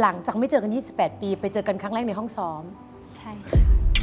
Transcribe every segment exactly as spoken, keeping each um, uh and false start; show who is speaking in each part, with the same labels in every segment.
Speaker 1: หลังจากไม่เจอกันยี่สิบแปดปีไปเจอกันครั้งแรกในห้องซ้อม
Speaker 2: ใช่ค่ะ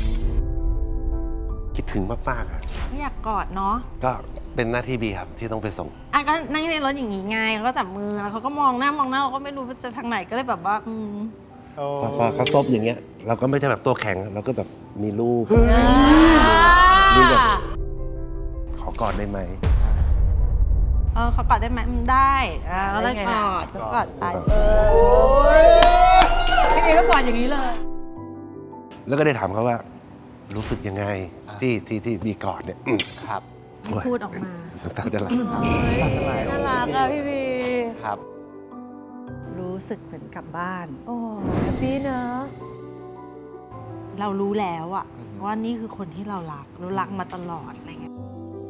Speaker 3: คิดถึงมากๆอ่ะ
Speaker 2: ไม่อยากกอดเนาะ
Speaker 3: ก็เป็นหน้าที่บีครับที่ต้องไปส่ง
Speaker 2: อ่ะก็นั่งในรถอย่างงี้ไงเขาก็จับมือแล้วเขาก็มองหน้ามองหน้าเราก็ไม่รู้ว่าจะทางไหนก็เลยแบบว่าอืม
Speaker 3: พอพอเขาซบอย่างเงี้ยเราก็ไม่ใช่แบบตัวแข็งเราก็แบบมีลูกมีแบบขอกอดได้ไหม
Speaker 2: เออเขากอดได้ไหมได้อ่าก็เลยกอดก็กอดไปเอ
Speaker 1: อพี่เอก็กอดอย่างนี้เลย
Speaker 3: แล้วก็ได้ถามเขาว่ารู้สึกยังไงที่ที่ที่บีกอดเนี่ย
Speaker 4: ครับ
Speaker 2: พูดออกมา
Speaker 3: น้ำตาจะไหล
Speaker 1: น่ารักอะพี่บี
Speaker 4: ครับ
Speaker 2: รู้สึกเหมือนกลับบ้าน
Speaker 1: โอ้แฮปปี้เนอะ
Speaker 2: เรารู้แล้วอะว่านี่คือคนที่เรารักเรารักมาตลอดอะไรเงี้ย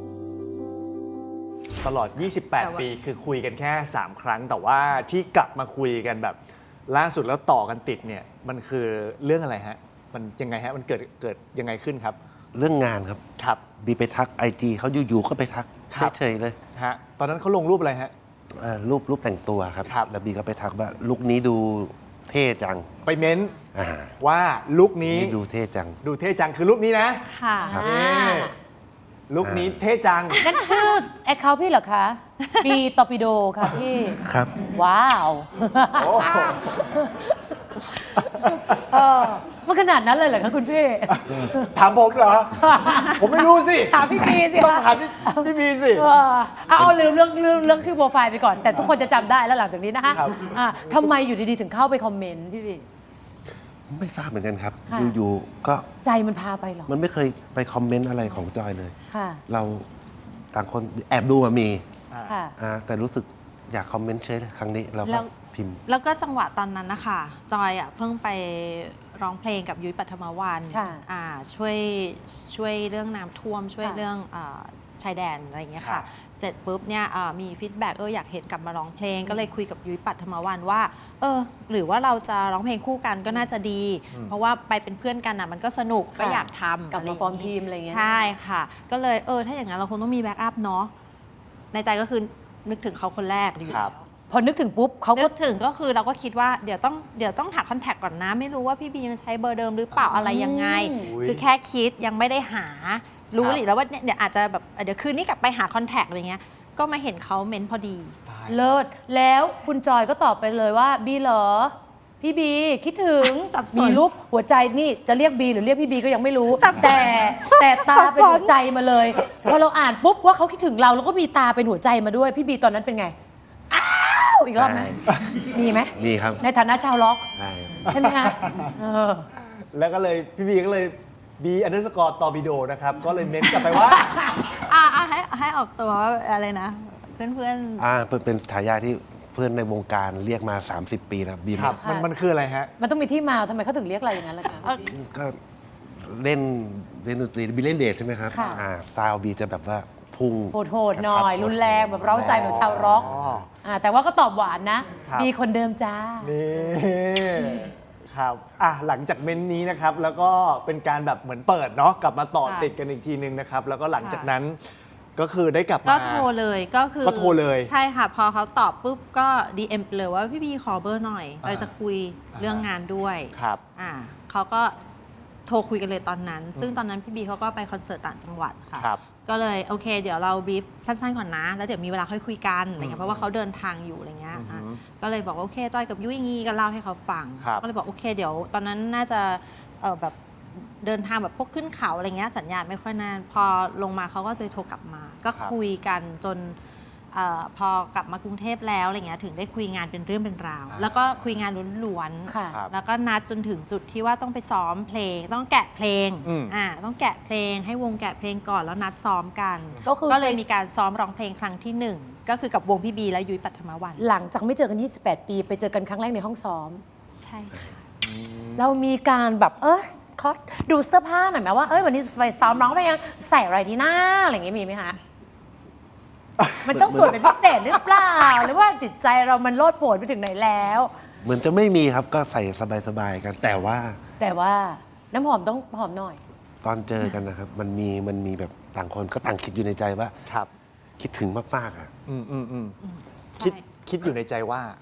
Speaker 4: ตลอดยี่สิบแปดปีคือคุยกันแค่สามครั้งแต่ว่าที่กลับมาคุยกันแบบล่าสุดแล้วต่อกันติดเนี่ยมันคือเรื่องอะไรฮะมันยังไงฮะมันเกิดเกิดยังไงขึ้นครับ
Speaker 3: เรื่องงานครับ
Speaker 4: ครับ
Speaker 3: บีไปทักไอจีเขาอยู่ๆก็ไปทักเฉยๆเลย
Speaker 4: ฮะตอนนั้นเขาลงรูปอะไรฮะ
Speaker 3: รูปรูปแต่งตัวครับแล้วบีก็ไปทักว่าลุคนี้ดูเท่จัง
Speaker 4: ไปเม้นว่าลุคนี้
Speaker 3: ดูเท่จัง
Speaker 4: ดูเท่จังคือลุคนี้นะ
Speaker 2: ค่ะ
Speaker 4: ลุคนี้เท่จัง
Speaker 1: นั่นชื่อแอคเคาท์พี่เหรอคะบีตอร์ปิโดค่ะพี่
Speaker 3: ครับ
Speaker 1: ว้าวมันขนาดนั้นเลยเหรอคะคุณพี่
Speaker 4: ถามผมเหรอผมไม่รู้สิ
Speaker 1: ถามพี่บีสิ
Speaker 4: ต้องถามพี่บีสิ
Speaker 1: เอาลืมเรื่องเรื่องเรื่องชื่อโปรไฟล์ไปก่อนแต่ทุกคนจะจำได้แล้วหลังจากนี้นะคะทำไมอยู่ดีๆถึงเข้าไปคอมเมนต์พี่บี
Speaker 3: ไม่ทราบเหมือนกันครับอยู่ๆก็
Speaker 1: ใจมันพาไปหรอ
Speaker 3: มันไม่เคยไปคอมเมนต์อะไรของจอยเลยเราต่างคนแอบดูมามีแต่รู้สึกอยากคอมเมนต์เฉยเลยครั้งนี้เราก็พิมพ์
Speaker 2: แล้วก็จังหวะตอนนั้นนะคะจอยอ่ะเพิ่งไปร้องเพลงกับยุ้ยปัทมวันช่วยช่วยเรื่องน้ำท่วมช่วยเรื่องชายแดนอะไรอย่างเงี้ยค่ะเสร็จปุ๊บเนี่ยมีฟีดแบ็กเอออยากเห็นกลับมาร้องเพลงก็เลยคุยกับยุ้ยปัทมวันว่าเออหรือว่าเราจะร้องเพลงคู่กันก็น่าจะดี เพราะว่าไปเป็นเพื่อนกันอ่ะมันก็สนุกก็อยากทำ
Speaker 1: กับมาฟอร์มทีมอะไรเงี้ย
Speaker 2: ใช่ค่ะก็เลยเออถ้าอย่างนั้นเราคงต้องมีแบ็กอัพเนาะในใจก็คือนึกถึงเขาคนแรกดีแล้ว
Speaker 1: พอนึกถึงปุ๊บเขาก็
Speaker 2: ถึงก็คือเราก็คิดว่าเดี๋ยวต้องเดี๋ยวต้องหาคอนแทคก่อนนะไม่รู้ว่าพี่บียังใช้เบอร์เดิมหรือเปล่าอะไรยังไงคือแค่คิดยังไม่ได้หารู้หรือแล้วว่าเดี๋ยวอาจจะแบบเดี๋ยวคืนนี้กลับไปหาคอนแทคอะไรเงี้ยก็มาเห็นเขาเม้นพอดี
Speaker 1: เลิศแล้วคุณจอยก็ตอบไปเลยว่าบีเหรอพี่บีคิดถึงมีรูปหัวใจนี่จะเรียกบีหรือเรียกพี่บีก็ยังไม่รู้แต่แต่ตาเป็นหัวใจมาเลยพอเราอ่านปุ๊บว่าเขาคิดถึงเราแล้วก็มีตาเป็นหัวใจมาด้วยพี่บีตอนนั้นเป็นไงอ้าวอีกรอบไหมมีไหม
Speaker 3: มีครับ
Speaker 1: ในฐานะชาวล็อก
Speaker 3: ใช่
Speaker 1: ใช่ไหมคะ
Speaker 4: แล้วก็เลยพี่บีก็เลยบีอันเดอร์สกอร์ตอร์ปิโดนะครับก็เลยเม้นกลับไปว่า
Speaker 2: อ่าให้ให้ออกตัวอะไรนะเพื่อนเพื่อน
Speaker 3: อ่าเป็นฉายาที่เพื่อนในวงการเรียกมาสามสิบปีแล้วบี
Speaker 4: ครับมันมันคืออะไรฮะ
Speaker 1: มันต้องมีที่มาทำไมเขาถึงเรียกอะไรอย่างนั้นล่ะคะ
Speaker 3: ก็เล่นเล่นดนตรีบีเล่นเดทใช่ไหมครับอ่าซาวบีจะแบบว่าพุ่ง
Speaker 1: โหดๆหน่อยรุนแรงแบบเร้าใจแบบชาวร็อกอ่าแต่ว่าก็ตอบหวานนะบีคนเดิมจ้า
Speaker 4: นี่ครับอ่ะหลังจากเม้นนี้นะครับแล้วก็เป็นการแบบเหมือนเปิดเนาะกลับมาต่อติดกันอีกทีนึงนะครับแล้วก็หลังจากนั้นก็คือได้กลับมา
Speaker 2: ก็โทรเลยก็คือ
Speaker 4: ก็โทรเลย
Speaker 2: ใช่ค่ะพอเขาตอบปุ๊บก็ ดี เอ็ม เลยว่าพี่บีขอเบอร์หน่อยเราจะคุยเรื่องงานด้วย
Speaker 4: ครับ
Speaker 2: อ่าเขาก็โทรคุยกันเลยตอนนั้นซึ่งตอนนั้นพี่บีเขาก็ไปคอนเสิร์ตต่างจังหวัดค่ะก็เลยโอเคเดี๋ยวเราบีฟสั้นๆก่อนนะแล้วเดี๋ยวมีเวลาค่อยคุยกันอะไรเงี้ยเพราะว่าเขาเดินทางอยู่อะไรเงี้ยก็เลยบอกโอเคจอยกับยุ้ยงี้ก็เล่าให้เขาฟังก็เลยบอกโอเคเดี๋ยวตอนนั้นน่าจะเออแบบเดินทางแบบพวกขึ้นเขาอะไรเงี้ยสัญญาณไม่ค่อยนานพอลงมาเขาก็เลยโทรกลับมาก็คุยกันจนอพอกลับมากรุงเทพแล้วอะไรเงี้ยถึงได้คุยงานเป็นเรื่องเป็นราวแล้วก็คุยงานล้วนๆแล้วก็นัดจนถึงจุดที่ว่าต้องไปซ้อมเพลงต้องแกะเพลงอ่าต้องแกะเพลงให้วงแกะเพลงก่อนแล้วนัดซ้อมกันก็เลยมีการซ้อมร้องเพลงครั้งที่หนึ่งก็คือกับวงพี่บีและยุ้ยปัทมวัน
Speaker 1: หลังจากไม่เจอกันยี่สิบแปดปีไปเจอกันครั้งแรกในห้องซ้อม
Speaker 2: ใช่ค่ะ
Speaker 1: เรามีการแบบเออเขาดูเสื้อผ้าหน่อยไหมว่าเอ้ยวันนี้ไปซ้อมร้องเพลงใส่อะไรดีหน้าอะไรอย่างงี้มีไหมคะมันต้องสวยเป็นพิเศษหรือเปล่าหรือว่าจิตใจเรามันโลดโผนไปถึงไหนแล้ว
Speaker 3: เหมือนจะไม่มีครับก็ใส่สบายๆกันแต่ว่า
Speaker 1: แต่ว่าน้ำหอมต้องหอมหน่อย
Speaker 3: ตอนเจอกันนะครับมันมีมันมีแบบต่างคนก็ต่างคิดอยู่ในใจว่า
Speaker 4: ครับ
Speaker 3: คิดถึงมากๆอ่ะ
Speaker 4: อืมอืมอืมคิดคิดอยู่ในใจว่า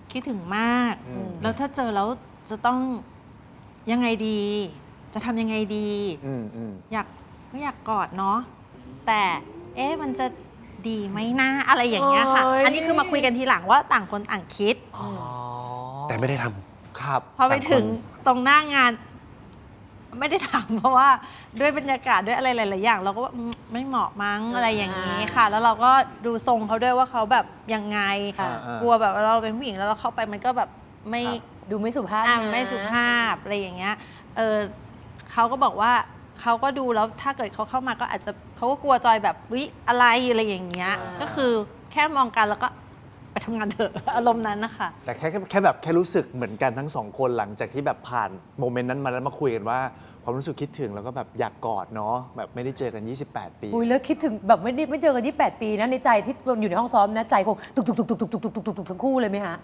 Speaker 2: คิดถึงมาก
Speaker 4: อืม
Speaker 2: แล้วถ้าเจอแล้วจะต้องยังไงดี จะทำยังไงดี
Speaker 4: อืมอืม
Speaker 2: อยากก็อยากกอดเนาะแต่เอ๊ะมันจะดีไหมนะอะไรอย่างเงี้ยค่ะ
Speaker 1: โอ้ย
Speaker 2: อันนี้คือมาคุยกันทีหลังว่าต่างคนต่างคิด
Speaker 4: อ๋อ
Speaker 3: แต่ไม่ได้ทำ
Speaker 4: ครับ
Speaker 2: พอไป
Speaker 3: ต่างคน
Speaker 2: ถึงตรงหน้างาน ไม่ได้ถามเพราะว่าด้วยบรรยากาศด้วยอะไรหลาย ๆ อย่าง เราก็ว่าอืมไม่เหมาะมั้งอะไรอย่างนี้ค่ะ แล้วเราก็ดูทรงเขาด้วยว่าเขาแบบยังไง
Speaker 1: ค่ะ
Speaker 2: กลัวแบบเราเป็นผู้หญิงแล้วเราเข้าไปมันก็แบบไม่
Speaker 1: ดูไม่สุภาพ
Speaker 2: อ่ะ
Speaker 1: นะ
Speaker 2: ไม่สุภาพอะไรอย่างเงี้ยเออเขาก็บอกว่าเขาก็ดูแล้วถ้าเกิดเขาเข้ามาก็อาจจะเขาก็กลัวจอยแบบวิอะไรอะไรอย่างเงี้ย
Speaker 1: อ่า
Speaker 2: ก็คือแค่มองกันแล้วก็ไปทำงานเถอะ อารมณ์นั้นนะคะ
Speaker 4: แต่แค่แค่แค่แบบแค่รู้สึกเหมือนกันทั้งสองคนหลังจากที่แบบผ่านโมเมนต์นั้นมาแล้วมาคุยกันว่า ความรู้สึกคิดถึงแล้วก็แบบอยากกอดเนาะแบบไม่ได้เจอกัน ยี่สิบแปด ปี
Speaker 1: อุ้ยแล้วคิดถึงแบบไม่ได้ไม่เจอกันยี่สิบแปดปีนะในใจที่อยู่ในห้องซ้อมนะใจคงตุกตุกตุกตุกตุกตุกตุกตุกตุกตุกทั้งคู่เลยไหมฮะ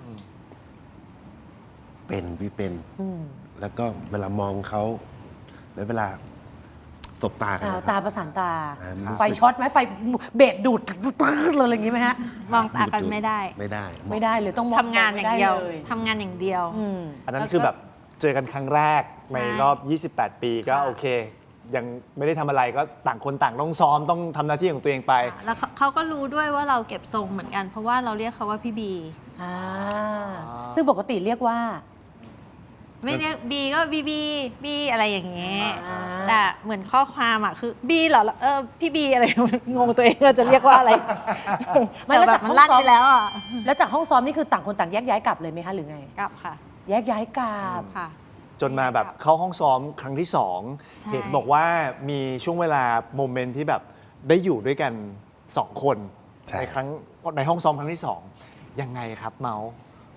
Speaker 3: เป็นพี่เป็น
Speaker 1: อืม
Speaker 3: แล้วก็เวลามองเขาแล้วเวลาสบตากัน
Speaker 1: อ้าว
Speaker 3: นะค
Speaker 1: ตา
Speaker 3: รับ
Speaker 1: ประสานตา
Speaker 3: อ่ามันรู้สึก
Speaker 1: ไฟช็อตไหมไฟเบรดดูดเลยอะไรอย่างงี้ไหมฮะ
Speaker 2: มองตากันไม่ได้
Speaker 3: ไม่ได้
Speaker 1: ไม่ได้เลยต้องมอง
Speaker 2: ทำงานอย่างเดียว
Speaker 1: ไม่ไล
Speaker 2: ทำงานอย่างเดียว
Speaker 1: อืม
Speaker 4: อันนั้นคือแบบเจอกันครั้งแรกในรอบ ยี่สิบแปด ปีก็
Speaker 2: ค่ะ
Speaker 4: โอเค ยังไม่ได้ทำอะไรก็ต่างคนต่างต้องซ้อมต้องทำหน้าที่ของตัวเองไป
Speaker 2: แล้วเขาเขาก็รู้ด้วยว่าเราเก็บทรงเหมือนกัน เพราะว่าเราเรียกเขาว่าพี่บี
Speaker 1: อ่าซึ่งปกติเรียกว่า
Speaker 2: ไม่เรียกบีก็บีบีบีอะไรอย่างเงี้ย
Speaker 1: อ่า
Speaker 2: แต่เหมือนข้อความอ่ะคือบีเหรอเออพี่บีอะไร งงตัวเองว่าจะเรียกว่าอะไร
Speaker 1: ไม่
Speaker 2: แต่
Speaker 1: แล้ว
Speaker 2: แบ
Speaker 1: จาก
Speaker 2: บมัน
Speaker 1: ห้อง
Speaker 2: ลั่น
Speaker 1: ซ้อม
Speaker 2: ไปแล้วอ่ะ
Speaker 1: แล้วจากห้องซ้อมนี่คือต่างคนต่างแยกย้ายกลับเลยไหมคะหรือไง
Speaker 2: กลับค่ะ
Speaker 1: แยกย้ายกลับ
Speaker 2: ค่ะ
Speaker 4: จนมาแบบเข้าห้องซ้อมครั้งที่สอง
Speaker 2: ใช่
Speaker 4: เห็นบอกว่ามีช่วงเวลาโมเมนต์ที่แบบได้อยู่ด้วยกันสองคน
Speaker 3: ใช่
Speaker 4: ในครั้งในห้องซ้อมครั้งที่สองยังไงครับเมาส์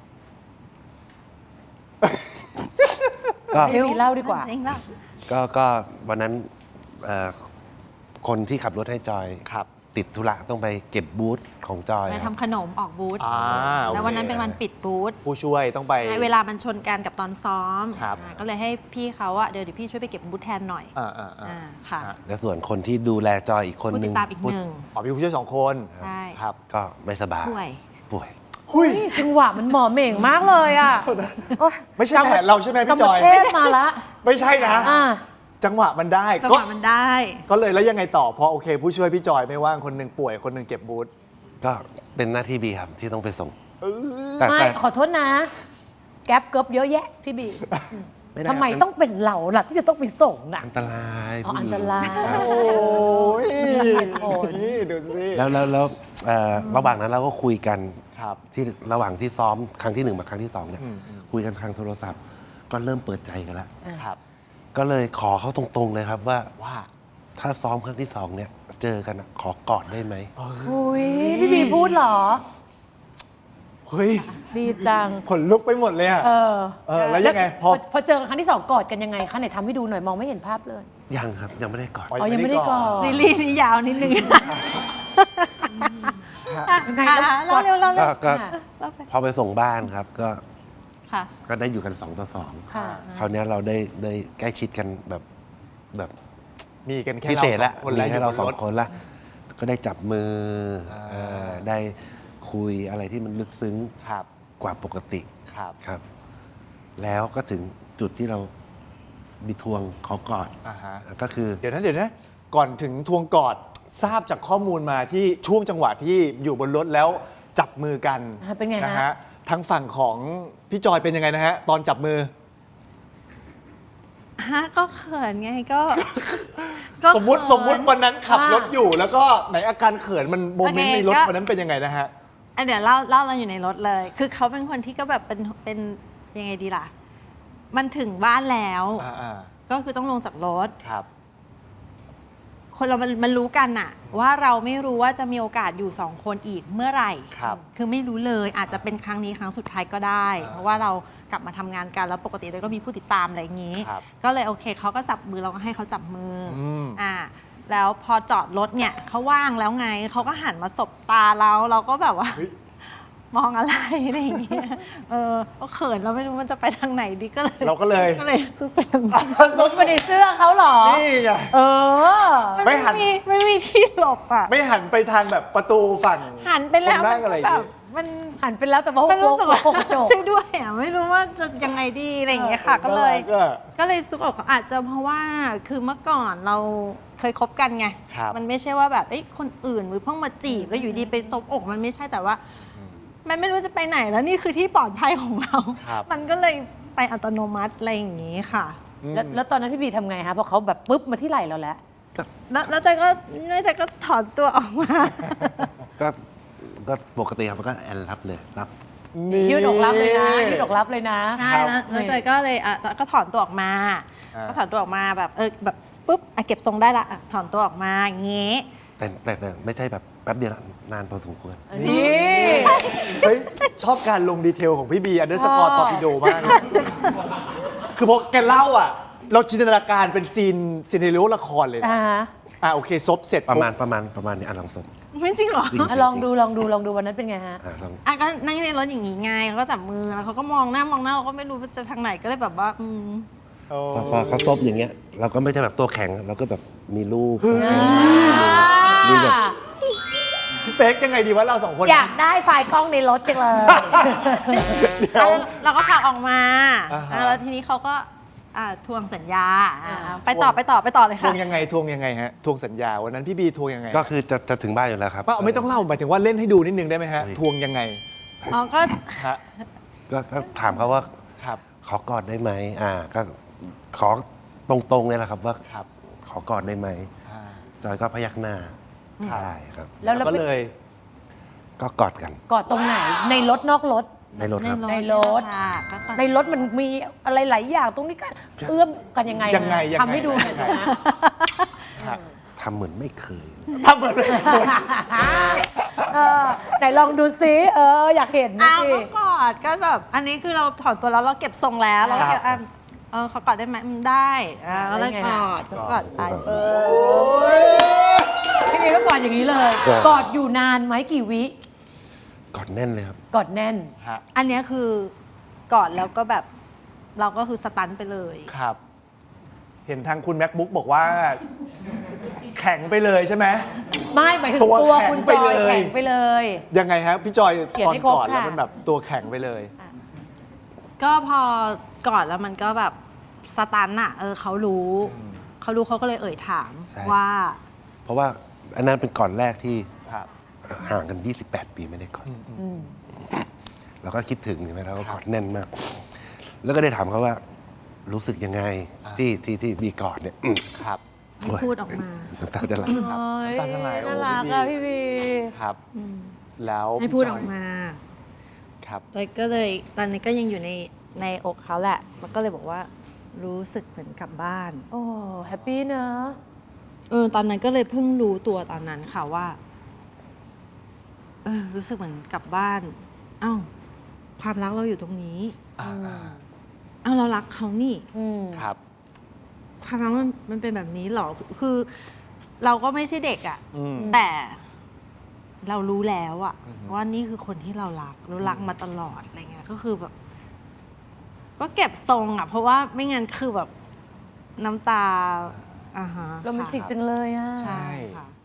Speaker 3: ก็
Speaker 1: ให้บีเล่าดีกว่า
Speaker 2: เองเล่า
Speaker 3: ก็ก็วันนั้นเอ่อคนที่ขับรถให้จอย
Speaker 4: ครับ
Speaker 3: ติดธุระต้องไปเก็บบูธของจอย
Speaker 2: ไป
Speaker 3: ครับ
Speaker 2: ทำขนมออกบูธ
Speaker 4: อ่าโอเค
Speaker 2: แล้ววันนั้นเป็นวันปิดบูธ
Speaker 4: ผู้ช่วยต้องไป
Speaker 2: ใช่เวลามันชนกันกับตอนซ้อม
Speaker 4: ครับ
Speaker 2: อ่าก็เลยให้พี่เขาอะเดี๋ยวเดี๋ยวพี่ช่วยไปเก็บบูธแทนหน่อย
Speaker 4: อ่าอ่าอ่า
Speaker 2: อ่าค่ะ
Speaker 4: ฮะ
Speaker 3: และส่วนคนที่ดูแลจอยอีกคน
Speaker 2: ผู้
Speaker 3: ห
Speaker 2: ติ
Speaker 3: นึ่
Speaker 2: ด
Speaker 3: ง
Speaker 2: ตามอีกหนึ่ง
Speaker 4: อ๋อมีผู้ช่วยสองคน
Speaker 2: ใช่
Speaker 4: ครับ
Speaker 3: ก็ไม่สบาย
Speaker 2: ป่วย
Speaker 3: ป่วย
Speaker 4: หุย
Speaker 1: จังหวะมันหมอเหม่งมากเลยอ่ะโอ๊ย
Speaker 4: ไม่ใช่แผนเราใช่ไหมพี่จอย
Speaker 1: กรรมเทศมาละ
Speaker 4: ไม่ใช่นะ
Speaker 1: อ่า
Speaker 4: จังหวะมันได้
Speaker 2: จังห
Speaker 4: ก็
Speaker 2: วะมันได้
Speaker 4: ก็เลยแล้วยังไงต่อพอโอเค ผู้ช่วยพี่จอยไม่ว่างคนหนึ่งป่วยคนหนึ่งเก็บบูธ
Speaker 3: ก็เป็นหน้าที่บีครับที่ต้องไปส่งแต่
Speaker 1: ไม่
Speaker 3: แต่
Speaker 1: ขอโทษนะ แก๊ปเกิบเยอะแยะพี่บี
Speaker 3: ด้
Speaker 1: ทำไมต้องเป็นเราล่ะที่จะต้องไปส่งน่ะ
Speaker 3: อันตราย
Speaker 1: อ๋อ
Speaker 3: ผู้หญิง
Speaker 1: อันตราย
Speaker 3: ครับ
Speaker 4: โอ้ย
Speaker 1: เหตุผล
Speaker 4: นี่ดูสิ
Speaker 3: แล้วแล้วแล้วเอ่อระหว่างนั้นเราก็คุยกัน
Speaker 4: ครับ
Speaker 3: ที่ระหว่างที่ซ้อมครั้งที่หนึ่งมาครั้งที่สองเนี่ย
Speaker 4: อืมอืม
Speaker 3: คุยกันทางโทรศัพท์ ก็เริ่มเปิดใจกันแล้ว
Speaker 4: ครับ
Speaker 3: ก็เลยขอเขาตรงๆเลยครับว่า
Speaker 4: ว่า
Speaker 3: ถ้าซ้อมครั้งที่สองเนี่ยเจอกันอะขอกอดได้ไหม
Speaker 1: อุ้ยพี่บีพูดเหรอ
Speaker 4: เฮ้ย
Speaker 1: ดีจัง
Speaker 4: ขนลุกไปหมดเลยอะ
Speaker 1: เออ
Speaker 4: เออแล้วยังไงพอ
Speaker 1: พอเจอกันครั้งที่สองกอดกันยังไงคะไหนทำให้ดูหน่อยมองไม่เห็นภาพเลย
Speaker 3: ยังครับยังไม่ได้กอด
Speaker 1: อ๋อยังไม่ได้กอด
Speaker 2: ซีรีส์นี้ยาวนิดนึง
Speaker 1: ยังไงแล้ว
Speaker 2: อ่ะเล่าเร็วเล่าเร็
Speaker 3: ก็
Speaker 2: ว
Speaker 3: ก็
Speaker 1: ค่ะ
Speaker 2: เล่าไป
Speaker 3: พอไปส่งบ้านครับ ก็
Speaker 2: ค่ะ
Speaker 3: ก็ได้อยู่กันสองต่อสอง
Speaker 1: ค่ะ
Speaker 3: คราวเนี้ยเราได้ได้ใกล้ชิดกันแบบแบบ
Speaker 4: มีกันแค่
Speaker 3: พิเศษ
Speaker 4: เรา
Speaker 3: ละ
Speaker 4: สองคน
Speaker 3: มี
Speaker 4: แล้ว
Speaker 3: ให้เราสอง
Speaker 4: ยู่บนถ
Speaker 3: คนละก็ได้จับมืออา เอ่อได้คุยอะไรที่มันลึกซึ้ง
Speaker 4: ครับ
Speaker 3: กว่าปกติ
Speaker 4: ครับ
Speaker 3: ครับ แล้วก็ถึงจุดที่เรามีทวงขอกอด
Speaker 4: อ่าฮะ
Speaker 3: ก็คือ
Speaker 4: เดี๋ยวนะเดี๋ยวนะก่อนถึงทวงกอดทราบจากข้อมูลมาที่ช่วงจังหวะที่อยู่บนรถแล้วจับมือกัน
Speaker 1: อ่าเป็นไงฮะ
Speaker 4: นะฮะทางฝั่งของพี่จอยเป็นยังไงนะฮะ ตอนจับมือ
Speaker 2: ฮะก็เขินไงก็ก็
Speaker 4: สมมติ
Speaker 2: เขิน
Speaker 4: สมมติวันนั้นขับ
Speaker 1: อ่าร
Speaker 4: ถอยู่ แล้วก็ไหนอาการเขินมันโมเมนต์
Speaker 2: โอเค
Speaker 4: ในรถ
Speaker 2: ก็
Speaker 4: วันนั้นเป็นยังไงนะฮะ
Speaker 2: อ่ะเดี๋ยวเล่าเล่าเราอยู่ในรถเลย คือเขาเป็นคนที่ก็แบบเป็นเป็นยังไงดีล่ะ มันถึงบ้านแล้ว
Speaker 4: อ่าอ่า
Speaker 2: ก็คือต้องลงจากรถ
Speaker 4: ครับ
Speaker 2: คนเรามันมันรู้กันอะว่าเราไม่รู้ว่าจะมีโอกาสอยู่สองคนอีกเมื่อไหร่
Speaker 4: ครับ
Speaker 2: คือไม่รู้เลยอาจจะเป็นครั้งนี้ครั้งสุดท้ายก็ได้
Speaker 4: อ่า
Speaker 2: เพราะว่าเรากลับมาทำงานกันแล้วปกติเราก็มีผู้ติดตามอะไรอย่างนี้
Speaker 4: ครับ
Speaker 2: ก็เลยโอเคเขาก็จับมือเราก็ให้เขาจับมืออ
Speaker 4: ม
Speaker 2: อ่าแล้วพอจอดรถเนี่ยเขาว่างแล้วไงเขาก็หันมาสบตาเราเราก็แบบว่า
Speaker 4: เฮ้ย
Speaker 2: มองอะไรอะไรอย่างเงี้ยเออก็เขินเราไม่รู้มันจะไปทางไหนดีก็เลย
Speaker 4: เราก็เลย
Speaker 2: ก็เลยซุกไปทางนี้
Speaker 1: ซุกไปในเสื้อเขาเหรอ
Speaker 4: นี่ไง
Speaker 1: เออ
Speaker 4: ไม่หัน
Speaker 2: มีไม่มีที่หลบอ่ะ
Speaker 4: ไม่หันไปทางแบบประตูฝั่ง
Speaker 2: หันไปแล้ว
Speaker 4: คนนั่งอะไรอย่าง
Speaker 2: แบ
Speaker 4: งี้
Speaker 2: บมัน
Speaker 1: หันไปแล้วแต่ว่า
Speaker 2: มันรู้สึกว่า
Speaker 1: โกหกจบ
Speaker 2: ช่วยด้วยอ่ะไม่รู้ว่าจะยังไงดีอะไรอย่างเงี้ยค่ะ ก็เลย
Speaker 4: ก็
Speaker 2: ก็เลยซุกอกอาจจะเพราะว่าคือเมื่อก่อนเราเคยคบกันไง
Speaker 4: ครับ
Speaker 2: มันไม่ใช่ว่าแบบเอ้ยคนอื่นหรือเพิ่งมาจีบแล้วอยู่ดีไปซบอกมันไม่ใช่แต่ว่า มันไม่รู้จะไปไหนแล้วนี่คือที่ปลอดภัยของเรา
Speaker 4: ครับ
Speaker 2: มันก็เลยไปอัตโนมัติอะไรอย่างงี้ค่ะ
Speaker 1: แล้วแล้วตอนนั้นพี่บีทำไงคะเพราะเขาแบบปุ๊บมาที่ไหล่เราแล้ว
Speaker 2: แล้วแล้วใจก็แล้วใจก็ถอนตัวออกมา
Speaker 3: ก็ก็ปกติครับก็แอนรับเลยรับ
Speaker 1: ยืดอกรับเลยนะยืดอกรับเลยนะ
Speaker 2: ใช่แล้วแล้วจอยก็เลยอ่ะก็ถอนตัวออกมา
Speaker 4: อ่า
Speaker 2: ก็ถอนตัวออกมาแบบเออแบบปุ๊บอ่ะเก็บทรงได้ละอ่ะถอนตัวออกมาอย่างงี้
Speaker 3: แต่แต่แต่ไม่ใช่แบบแป๊บเดียวนานพอสมควร
Speaker 1: นี่
Speaker 4: เฮ้ยชอบการลงดีเทลของพี่บีอันเดอร์สกอร์ตอร์ปิโดมากเลยคือพอแกเล่าอ่ะ เราจินตนาการเป็นซีนซีนเนริโอละครเลยนะ
Speaker 1: อ่าฮะ
Speaker 4: อ่ะโอเคซบเสร็จ
Speaker 3: ประมาณ
Speaker 4: ปุ๊บ
Speaker 3: ประมาณประมาณนี้อ่ะลองสม
Speaker 2: ไม่จริงเหรอ
Speaker 3: จริง
Speaker 1: อ่ะลองดูลองดูลองดูวันนั้นเป็นไงฮะ
Speaker 3: อ่ะลอง
Speaker 2: อ่ะก็นั่งในรถอย่างงี้ไงเขาก็จับมือแล้วเขาก็มองหน้ามองหน้าเราก็ไม่รู้ว่าจะทางไหนก็เลยแบบว่าอืม
Speaker 4: โอ้
Speaker 3: พอพอเขาซบอย่างเงี้ย เราก็ไม่ใช่แบบตัวแข็งเราก็แบบมีรูปมีแบบ
Speaker 4: พี่เป๊กยังไงดีวะเราสองคน
Speaker 1: อยากได้ไฟล์กล้องในรถจังเลย
Speaker 4: เดี๋ยว
Speaker 2: เราก็ผลักออกมา
Speaker 4: อ่าฮะ
Speaker 2: อ่ะแล้วทีนี้เขาก็อ่ะทวงสัญญาอ่ะ
Speaker 1: อ่า
Speaker 2: ไปต่อไปต่อไปต่อเลย
Speaker 4: ท
Speaker 2: ค่ะ
Speaker 4: วงยังไงทวงยังไงฮะทวงสัญญาวันนั้นพี่บีทวงยังไง
Speaker 3: ก็คือจะจะถึงบ้านอยู่แล้วครับ
Speaker 4: ป้าไม่ต้องเล่าหมายถึงว่าเล่นให้ดูนิดนึงได้ไหมฮะ
Speaker 3: เฮ้ย
Speaker 4: ทวงยังไง
Speaker 2: อ๋อก็
Speaker 4: ฮะ
Speaker 3: ก็ก็ถามเขาว่า
Speaker 4: ครับ
Speaker 3: ขอกอดได้ไหมอ่า ก็ขอตรงๆเนี่ยแหละครับว่า
Speaker 4: ครับ
Speaker 3: ขอกอดได้ไหม
Speaker 4: อ่า
Speaker 3: จอยก็พยักหน้าใช่ครับ
Speaker 1: แล้วเรา
Speaker 4: ก็
Speaker 1: ไป
Speaker 4: เลย
Speaker 3: ก็กอดกัน
Speaker 1: กอดตรงไหนในรถนอกรถ
Speaker 3: ในรถครับ
Speaker 1: ในรถ
Speaker 2: ค่ะก็ก่อน
Speaker 1: ในรถมันมีอะไรหลายอย่างตรงนี้กันเอื้อมกันยังไง
Speaker 4: ยังไงยังไง
Speaker 1: ทำให้ดูหน่อยนะ
Speaker 4: ครับ
Speaker 3: ทำเหมือนไม่เคย
Speaker 4: ทำเหมือนเลย
Speaker 1: เออไหนลองดูซิเอออยากเห็นนะ
Speaker 2: อ้าว
Speaker 1: สิ
Speaker 2: ก็กอดก็แบบอันนี้คือเราถอนตัวแล้วเราเก็บทรงแล้วเราก็เก็บอ่ะเออเขากอดได้ไหมอืมได้อ่าแล้วเลยกอดก็กอดไปเออ
Speaker 1: พี่เอก็กอดอย่างนี้เลย
Speaker 3: กอด
Speaker 1: กอดอยู่นานไหมกี่วิ
Speaker 3: กอดแน่นเลยครับ
Speaker 1: กอดแน่น
Speaker 4: ฮะ
Speaker 2: อันเนี้ยคือกอดแล้วก็แบบเราก็คือสตันไปเลย
Speaker 4: ครับ เห็นทางคุณ MacBook บอกว่า แข็งไปเลยใช่ไหม
Speaker 1: ไม่หมายถึง
Speaker 4: ตัว
Speaker 1: ตัว
Speaker 4: แข็ง
Speaker 1: คุณจ
Speaker 4: ไป
Speaker 1: อย
Speaker 4: เลย
Speaker 1: แข็งไปเลย
Speaker 4: ยังไงฮะพี่จอย
Speaker 1: เขียน
Speaker 4: ตอน
Speaker 1: ให้ครบ
Speaker 4: ก่อนแล้ว
Speaker 1: ค่ะ
Speaker 4: มันแบบตัวแข็งไปเลย
Speaker 2: ก็พอกอดแล้วมันก็แบบสตันอะเออเขารู้ เขารู้เขาก็เลยเอ่ยถาม
Speaker 3: ใช่
Speaker 2: ว่า
Speaker 3: เพราะว่าอันนั้นเป็นก่อนแรกที่
Speaker 4: ครับ
Speaker 3: ห่างกัน ยี่สิบแปด ปีไม่ได้กอด
Speaker 1: อืม
Speaker 3: เราก็คิดถึงใช่ไหมเราก็
Speaker 4: ครับ
Speaker 3: กอดแน่นมาก แล้วก็ได้ถามเขาว่า รู้สึกยังไง
Speaker 4: อ่า
Speaker 3: ที่ที่ที่มีกอดเนี่ยอืม
Speaker 4: ครับ
Speaker 3: โอ้ย
Speaker 2: พูดออกมา
Speaker 3: น้ำตาจะไหล
Speaker 4: ครับ
Speaker 1: โอ้ย
Speaker 4: น้ำตาจะไหลโอ้
Speaker 1: น่ารัก
Speaker 4: พี่บี
Speaker 1: อะพี่บี
Speaker 4: ครับ แล้ว
Speaker 2: ให้
Speaker 4: พี่
Speaker 2: พูด
Speaker 4: จ
Speaker 2: อย อกมา
Speaker 4: ครับ
Speaker 2: แต่ก็เลยตอนนี้ก็ยังอยู่ในในอกเขาแหละ มันก็เลยบอกว่ารู้สึกเหมือนกลับบ้าน
Speaker 1: โอ้แฮปปี้เนอะ
Speaker 2: เออตอนนั้นก็เลยเพิ่งรู้ตัวตอนนั้นค่ะว่า เออ รู้สึกเหมือนกลับบ้าน เอ้า ความรักเราอยู่ตรงนี้
Speaker 4: อ่า
Speaker 2: เอ้าเรารักเขานี่
Speaker 1: อืม
Speaker 4: ครับ
Speaker 2: ความรักมันมันเป็นแบบนี้เหรอ คือ เราก็ไม่ใช่เด็กอะ่ะ
Speaker 4: อืม
Speaker 2: แต่เรารู้แล้วอะ
Speaker 4: อือฮึ
Speaker 2: ว่านี่คือคนที่เรารักเรารักมาตลอดอะไรเงี้ย ก็คือแบบ ก็เก็บทรงอะเพราะว่าไม่งั้นคือแบบน้ำตาอ่าฮะ
Speaker 1: โรแมนติกจังเลยอะ
Speaker 2: ใช่ค่ะ